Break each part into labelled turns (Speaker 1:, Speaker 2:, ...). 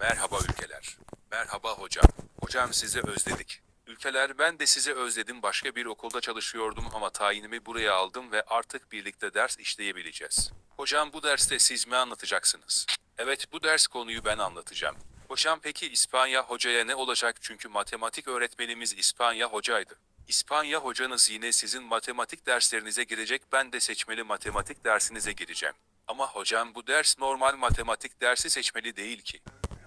Speaker 1: Merhaba ülkeler. Merhaba hocam. Hocam sizi özledik. Ülkeler ben de sizi özledim. Başka bir okulda çalışıyordum ama tayinimi buraya aldım ve artık birlikte ders işleyebileceğiz. Hocam bu derste siz mi anlatacaksınız? Evet bu ders konuyu ben anlatacağım. Hocam peki İspanya hocaya ne olacak çünkü matematik öğretmenimiz İspanya hocaydı. İspanya hocanız yine sizin matematik derslerinize girecek ben de seçmeli matematik dersinize gireceğim. Ama hocam bu ders normal matematik dersi seçmeli değil ki.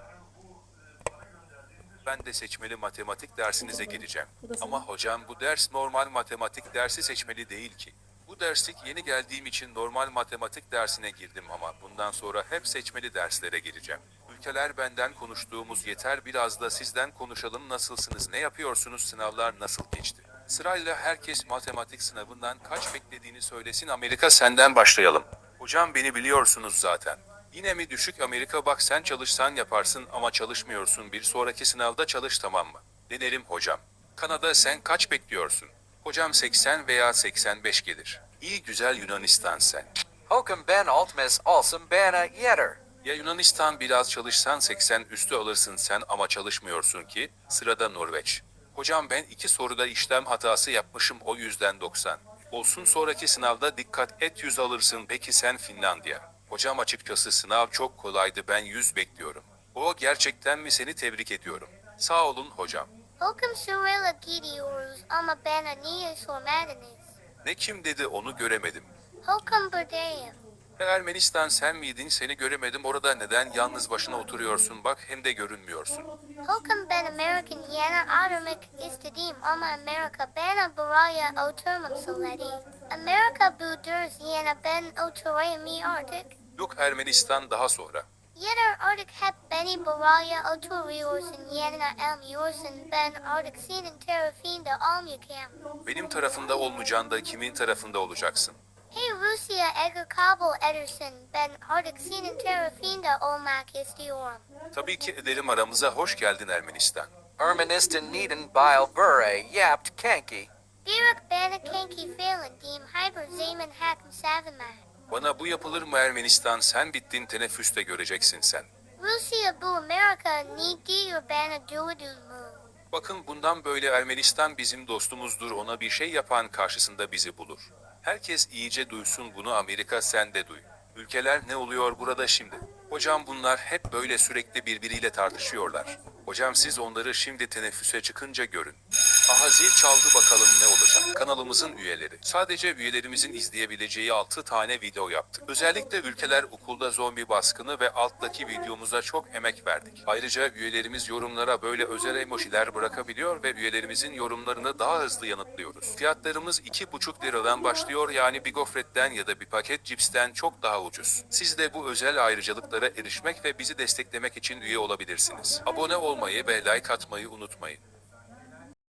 Speaker 1: Ben de seçmeli matematik dersinize gireceğim. Ama hocam bu ders normal matematik dersi seçmeli değil ki. Bu derslik yeni geldiğim için normal matematik dersine girdim ama bundan sonra hep seçmeli derslere gireceğim. Ülkeler benden konuştuğumuz yeter biraz da sizden konuşalım nasılsınız ne yapıyorsunuz sınavlar nasıl geçti? Sırayla herkes matematik sınavından kaç beklediğini söylesin Amerika senden başlayalım. Hocam beni biliyorsunuz zaten. Yine mi düşük Amerika bak sen çalışsan yaparsın ama çalışmıyorsun bir sonraki sınavda çalış tamam mı? Denerim hocam. Kanada sen kaç bekliyorsun? Hocam 80 veya 85 gelir. İyi güzel Yunanistan sen.
Speaker 2: Hokum ben altmes alsım bana yeter.
Speaker 1: Ya Yunanistan biraz çalışsan 80 üstü alırsın sen ama çalışmıyorsun ki, sırada Norveç. Hocam ben iki soruda işlem hatası yapmışım o yüzden 90. Olsun sonraki sınavda dikkat et 100 alırsın peki sen Finlandiya. Hocam açıkçası sınav çok kolaydı ben 100 bekliyorum. O gerçekten mi seni tebrik ediyorum. Sağ olun hocam.
Speaker 3: Hokum sırayla gidiyoruz ama bana niye sormadınız?
Speaker 1: Ne kim dedi onu göremedim.
Speaker 3: Hokum buradayım.
Speaker 1: Ermenistan sen miydin seni göremedim orada neden yalnız başına oturuyorsun bak hem de görünmüyorsun.
Speaker 3: Hokum ben American yana oturmak istedim ama Amerika bana buraya oturmam söyledi. Amerika bu ders yana ben oturamıyorum artık.
Speaker 1: Yok Ermenistan daha sonra.
Speaker 3: Yeter artık hep beni buraya oturuyorsun yanına almıyorsun ben artık senin tarafında olmayacağım.
Speaker 1: Benim tarafında olmayacaksın da kimin tarafında olacaksın?
Speaker 3: Hey Rusya eğer kabul edersen ben artık senin tarafında olmak istiyorum.
Speaker 1: Tabii ki ederim aramıza hoş geldin Ermenistan.
Speaker 2: Ermenistan neden bile bure yapt kanki.
Speaker 3: Birak bana kanki falan diyeyim hyper zaman hakim savunma.
Speaker 1: Bana bu yapılır mı Ermenistan sen bittin teneffüste göreceksin sen.
Speaker 3: Rusya bu Amerika ne diyor bana duydun mu?
Speaker 1: Bakın bundan böyle Ermenistan bizim dostumuzdur ona bir şey yapan karşısında bizi bulur. Herkes iyice duysun bunu Amerika sen de duy. Ülkeler ne oluyor burada şimdi? Hocam bunlar hep böyle sürekli birbiriyle tartışıyorlar. Hocam siz onları şimdi teneffüse çıkınca görün. Aha zil çaldı bakalım ne olacak. Kanalımızın üyeleri. Sadece üyelerimizin izleyebileceği 6 tane video yaptık. Özellikle ülkeler okulda zombi baskını ve alttaki videomuza çok emek verdik. Ayrıca üyelerimiz yorumlara böyle özel emojiler bırakabiliyor ve üyelerimizin yorumlarını daha hızlı yanıtlıyoruz. Fiyatlarımız 2,5 liradan başlıyor yani bir gofretten ya da bir paket cipsten çok daha ucuz. Siz de bu özel ayrıcalıklara erişmek ve bizi desteklemek için üye olabilirsiniz. Abone olmayı ve like atmayı unutmayın.